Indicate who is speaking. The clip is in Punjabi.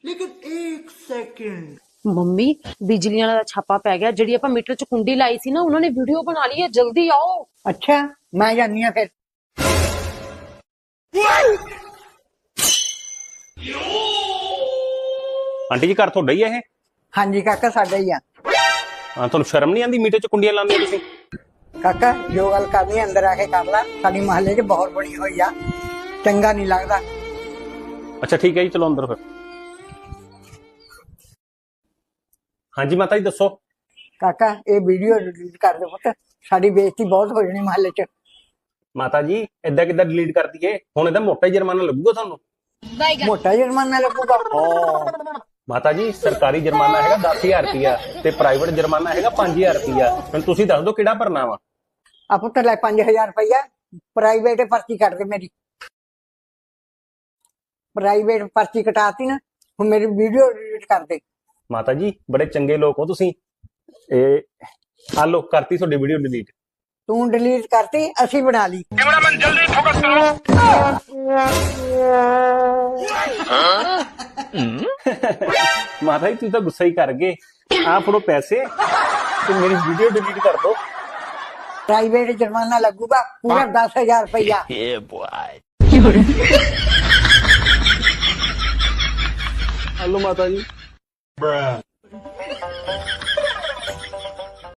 Speaker 1: लेकिन एक सेकंड।
Speaker 2: ਮੰਮੀ ਬਿਜਲੀ ਵਾਲਾ ਦਾ ਛਾਪਾ ਪੈ ਗਿਆ। ਜਿਹੜੀ ਆਪਾਂ ਮੀਟਰ ਚ ਕੁੰਡੀ ਲਾਈ ਸੀ ਨਾ, ਉਹਨਾਂ ਨੇ ਵੀਡੀਓ ਬਣਾ ਲਈ ਹੈ। ਜਲਦੀ ਆਓ।
Speaker 3: अच्छा मैं जानी हाँ फिर।
Speaker 4: ਆਂਟੀ ਜੀ ਘਰ ਤੁਹਾਡਾ ਹੀ ਹੈ ਇਹ?
Speaker 3: हाँ जी काका साडा ही आ।
Speaker 4: ਹਾਂ, ਤੁਹਾਨੂੰ ਸ਼ਰਮ ਨਹੀਂ ਆਉਂਦੀ ਮੀਟਰ 'ਚ ਕੁੰਡੀਆਂ ਲਾਉਂਦੇ ਹੋ ਤੁਸੀਂ?
Speaker 3: काका जो गल करनी अंदर आके कर ला। साडी महल्ले च बहुत बनी हुई आ, चंगा नहीं लगता।
Speaker 4: ਅੱਛਾ ਠੀਕ ਹੈ ਜੀ, ਚਲੋ ਅੰਦਰ ਫਿਰ। ਹਾਂਜੀ ਮਾਤਾ ਜੀ ਦੱਸੋ।
Speaker 3: काका ये वीडियो डिलीट कर दे पुत, साडी बेइज्जती बहुत हो जानी महल्ले च।
Speaker 4: ਮਾਤਾ ਜੀ ਏਦਾਂ ਕਿੱਦਾਂ ਡਿਲੀਟ ਕਰ ਦਈਏ? ਹੁਣ ਇਹਦਾ ਮੋਟਾ ਹੀ ਜੁਰਮਾਨਾ ਲੱਗੂਗਾ ਤੁਹਾਨੂੰ।
Speaker 3: मोटा जुर्माना लगूगा।
Speaker 4: ਮਾਤਾ ਜੀ ਸਰਕਾਰੀ ਜੁਰਮਾਨਾ ਹੈਗਾ 10,000 ਰੁਪਇਆ ਤੇ ਪ੍ਰਾਈਵੇਟ ਜੁਰਮਾਨਾ ਹੈਗਾ 5,000 ਰੁਪਇਆ। ਹੁਣ ਤੁਸੀਂ ਦੱਸ ਦਿਓ ਕਿਹੜਾ ਭਰਨਾ ਵਾ।
Speaker 3: आ पुत ले 5,000 रुपया प्राइवेट पर्ची कट दे मेरी। प्राइवेट पर्ची कटाती ना, हुण मेरी वीडियो डिलीट कर दे।
Speaker 4: ਮਾਤਾ ਜੀ ਬੜੇ ਚੰਗੇ ਲੋਕ ਹੋ ਤੁਸੀਂ। ਇਹ ਆ ਲੋ ਕਰਤੀ ਤੁਹਾਡੀ ਵੀਡੀਓ ਡਿਲੀਟ।
Speaker 3: तू डिलीट करती असी बना ली।
Speaker 4: ਮਾਤਾ ਜੀ ਤੁਸੀਂ ਤਾਂ ਗੁੱਸਾ ਹੀ ਕਰ ਗਏ। ਆ ਫੜੋ ਪੈਸੇ ਤੇ ਮੇਰੀ ਵੀਡੀਓ ਡਿਲੀਟ ਕਰ ਦਿਓ।
Speaker 3: प्राइवेट जुर्माना लगूगा पूरा 10,000 रुपया।
Speaker 4: ਹਲੋ ਮਾਤਾ ਜੀ।